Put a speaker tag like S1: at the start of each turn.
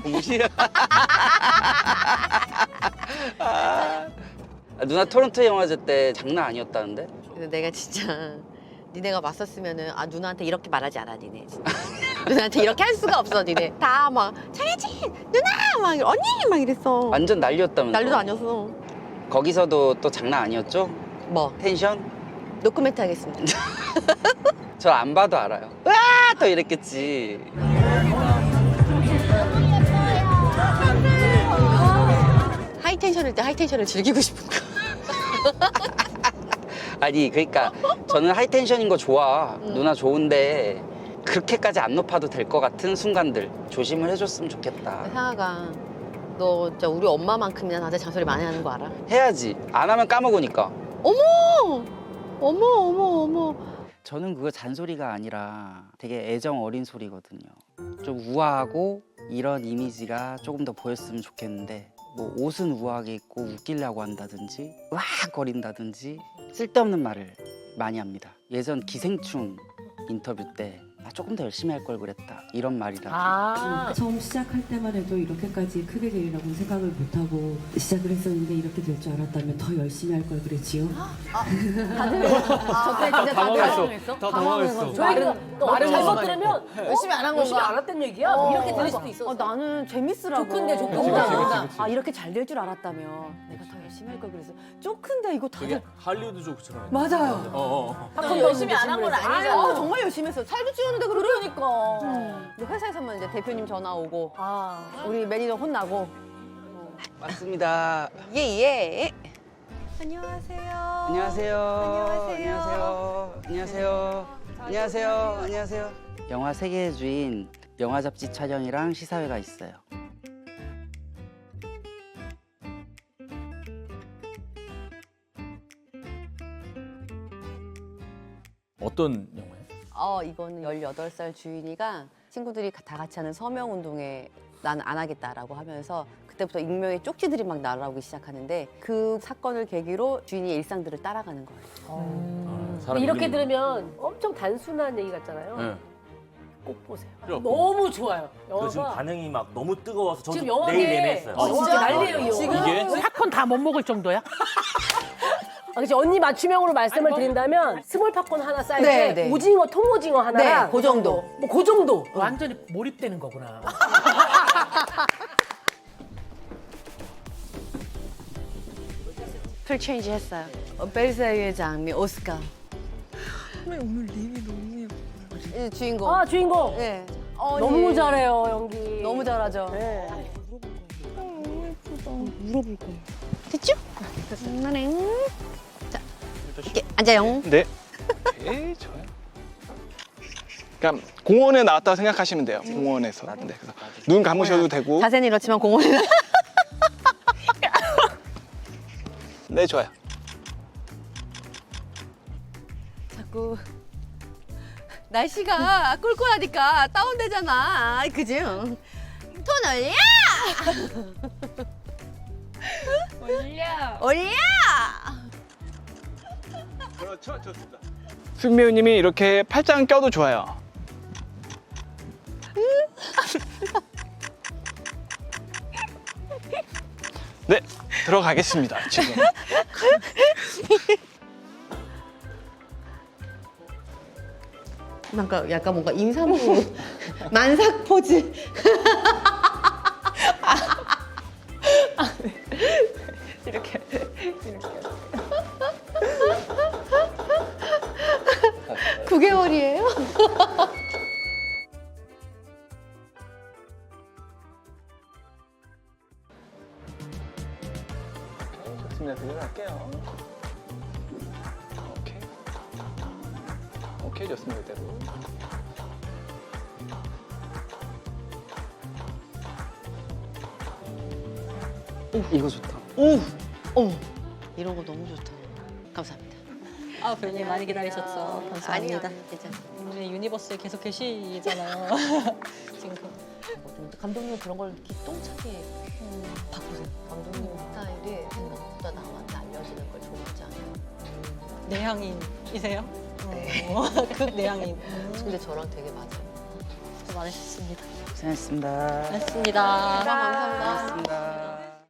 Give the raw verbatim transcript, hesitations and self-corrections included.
S1: 동시에. 아, 누나 토론토 영화제 때 장난 아니었다는데?
S2: 근데 내가 진짜 니네가 맞섰으면은 아 누나한테 이렇게 말하지 않아 니네 진짜. 누나한테 이렇게 할 수가 없어 니네. 다 막 장혜진 누나 막 이러- 언니 막 이랬어.
S1: 완전 난리였다면서.
S2: 난리도 아니었어.
S1: 거기서도 또 장난 아니었죠?
S2: 뭐
S1: 텐션?
S2: 노코멘트 하겠습니다.
S1: 저 안 봐도 알아요. 와! 더 이랬겠지.
S2: 하이텐션일 때 하이텐션을 즐기고 싶은 거.
S1: 아니 그러니까 저는 하이텐션인 거 좋아.
S2: 음.
S1: 누나 좋은데 그렇게까지 안 높아도 될 것 같은 순간들 조심을 해줬으면 좋겠다.
S2: 상아가 너 진짜 우리 엄마만큼이나 나한테 잔소리 많이 하는 거 알아?
S1: 해야지. 안 하면 까먹으니까.
S2: 어머 어머 어머 어머.
S1: 저는 그거 잔소리가 아니라 되게 애정 어린 소리거든요. 좀 우아하고 이런 이미지가 조금 더 보였으면 좋겠는데 뭐 옷은 우아하게 입고 웃기려고 한다든지 으악 거린다든지 쓸데없는 말을 많이 합니다. 예전 기생충 인터뷰 때 아, 조금 더 열심히 할 걸 그랬다 이런 말이라든지
S3: 아,
S4: 처음 시작할 때만 해도 이렇게까지 크게 되리라고는 생각을 못하고 시작을 했었는데 이렇게 될 줄 알았다면 더 열심히 할 걸 그랬지요.
S2: 다들 저때 진짜 다들 당황했어.
S5: 더 당황했어.
S3: 저희가 또
S2: 말을
S3: 잘못
S2: 너무
S3: 들으면
S2: 열심히 안 한
S3: 열심히
S2: 건가?
S3: 안 했던 얘기야?
S2: 어.
S3: 이렇게 들릴 수도 있어.
S2: 어, 나는 재밌으라고.
S3: 좋던데, 좋던데.
S5: 그치, 그치, 그치, 그치.
S2: 아 이렇게 잘 될 줄 알았다면 내가 더 열심히 할 걸 그래서 쪼큰데 이거
S5: 되게
S2: 다들
S5: 할리우드 조크처럼.
S2: 맞아요.
S5: 어, 어.
S3: 팝콘 열심히 안 한 건 아니잖아.
S2: 어, 정말 열심히 했어. 살도 찌우는데 그렇게.
S3: 그러니까.
S2: 이제 회사에서만 이제 대표님 전화 오고
S3: 아,
S2: 우리 매니저 혼나고
S1: 맞습니다.
S2: 예예. 안녕하세요.
S1: 안녕하세요.
S2: 안녕하세요.
S1: 안녕하세요. 안녕하세요. 안녕하세요. 영화 세계의 주인 영화 잡지 촬영이랑 시사회가 있어요.
S5: 어떤 영화예요?
S2: 어 이거는 열여덟 살 주인이가 친구들이 다 같이 하는 서명 운동에 난 안 하겠다라고 하면서 그때부터 익명의 쪽지들이 막 날아오기 시작하는데 그 사건을 계기로 주인의 일상들을 따라가는 거예요.
S5: 아, 사람
S3: 근데 이렇게
S5: 이름이-
S3: 들으면 엄청 단순한 얘기 같잖아요.
S5: 네.
S3: 꼭 보세요.
S5: 필요 없고.
S3: 너무 좋아요.
S6: 저 지금
S3: 영화가
S6: 반응이 막 너무 뜨거워서 저도
S3: 지금 영화계
S6: 내일 내내 했어요.
S3: 어, 진짜 난리예요, 이
S6: 지금
S3: 영화.
S5: 이게?
S7: 팝콘 다 못 먹을 정도야?
S3: 아, 그치, 언니 맞춤형으로 말씀을 드린다면 스몰 팝콘 하나 쌓일
S2: 네,
S3: 때
S2: 네.
S3: 오징어, 통오징어 하나랑
S2: 네, 그 정도.
S3: 뭐 그 정도.
S7: 완전히 몰입되는 거구나.
S2: 풀 체인지 했어요. 어, 벨사유의 장미 오스카.
S8: 오늘 립이 너무 예뻐.
S2: 이 주인공.
S3: 아, 주인공.
S2: 네. 어,
S3: 너무
S2: 예.
S3: 잘해요, 연기.
S2: 너무 잘하죠.
S3: 네.
S8: 너무 예쁘다. 물어볼 거야.
S2: 됐죠? 엄마네. 자, 이렇게 앉아요.
S9: 네. 오케이, 좋아요. 그러니까 공원에 나왔다고 생각하시면 돼요. 공원에서. 네, 그래서 눈 감으셔도 되고.
S2: 자세는 이렇지만 공원에
S9: 네, 좋아요.
S2: 자꾸 날씨가 꿀꿀하니까 다운되잖아. 그지? 톤 올려!
S8: 올려.
S2: 올려!
S9: 그렇죠, 좋습니다. 수빈 배우님이 이렇게 팔짱 껴도 좋아요. 네, 들어가겠습니다. 지금.
S2: 뭔가 약간 뭔가 임산부 만삭 포즈. 이렇게 이렇게. 구 개월이에요?
S9: 좋습니다. 들어갈게요. 오케이. 오케이, 좋습니다. 그대로.
S1: 이거 좋다.
S2: 오! 어. 이런 거 너무 좋다. 감사합니다.
S10: 아, 배우님 많이 기다리셨죠. 감사합니다.
S2: 아니요, 괜찮아요.
S10: 우리 유니버스에 계속 계시잖아요. 지금 그-
S2: 감독님 그런 걸 이렇게 똥차게 바꾸세요. 감독님 스타일이 생각보다 남한테 알려지는 걸 좋아하지 않아요.
S10: 내향인이세요?
S2: 네.
S10: 어, 극 내향인.
S2: 근데 저랑 되게 맞아요.
S10: 수고 많으셨습니다.
S1: 고생했습니다.
S10: 고맙습니다.
S2: 감사합니다.
S1: 고맙습니다.